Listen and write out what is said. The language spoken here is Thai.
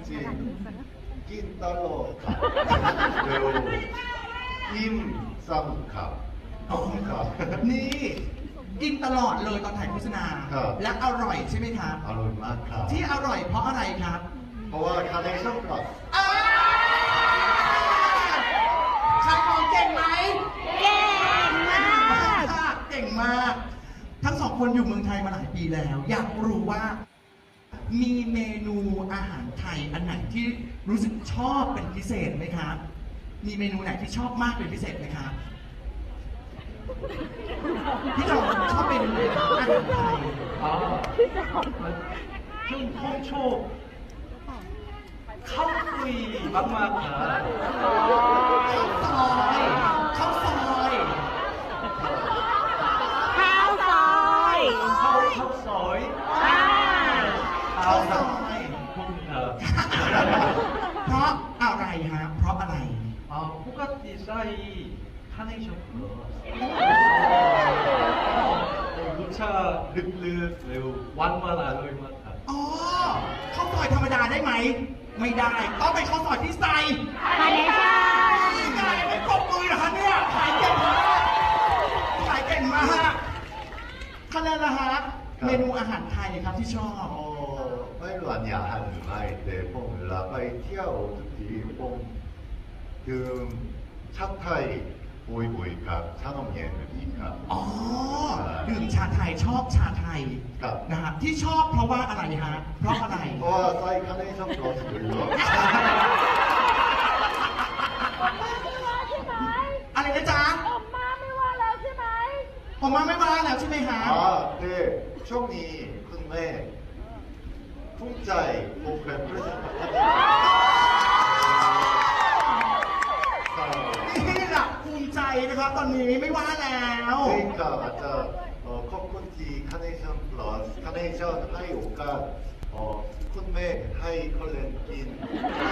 จริงกินตลอดครับเร็วอิ่มซ้ำครับครับนี่กินตลอดเลยตอนถ่ายโฆษณาครับและอร่อยใช่ไหมครับอร่อยมากครับที่อร่อยเพราะอะไรครับเพราะว่าคาร์เนชั่นครับขายของเก่งไหมเก่งมากเก่งมาก ทั้งสองคนอยู่เมืองไทยมาหลายปีแล้ว อยากรู้ว่า มีเมนูอาหารไทยอันไหนที่รู้สึกชอบเป็นพิเศษไหมครับ มีเมนูไหนที่ชอบมากเป็นพิเศษไหมครับ พี่จอมชอบเมนูไหนอาหารไทย 좀 홍초 카우이 막막한 ข้าวซอยข้าวซอยข้าวซอย 카우소이 ข้าวซอย 볶음밥 เพราะอะไรฮะ เพราะอะไร 포카티 싸이 카네이션 플러스 무차 륵륵 매우 완만 알로이 맛한 อ๋อข้าวซอยธรรมดาได้ไหม ไม่ได้ ต้องเป็นข้าวซอยที่ใส่คาเนชั่นนี่ไงไม่ปรบมือเหรอคะเนี่ย ขายเก่งมากขายเก่งมากคะแนนละฮะ เมนูอาหารไทยครับที่ชอบไม่รู้อันยาหันหรือไม่แต่ผมเวลาไปเที่ยวทุกทีผมดื่มชาไทยบ่อยๆครับชานมเย็นแบบนี้ครับอ๋อ ดื่มชาไทยชอบชาไทยครับนะครับที่ชอบเพราะว่าอะไรฮะ เพราะอะไรเพราะว่าไส้คาร์เนชั่นพลัสเยอะอะไรนะจ๊ะอมมาไม่ว่าแล้วใช่ไหมผมมาไม่มาแล้วใช่ไหมฮะแต่ช่วงนี้คุณแม่ภูมิใจโปรแกรมเพื่อจะพัฒนานี่แหละภูมิใจนะครับตอนนี้ไม่ว่าแล้ว 그러니까 맞아 커먼티 카네이션 플러스 카네이션 하이 오가 쿤메 하이 컬렌킨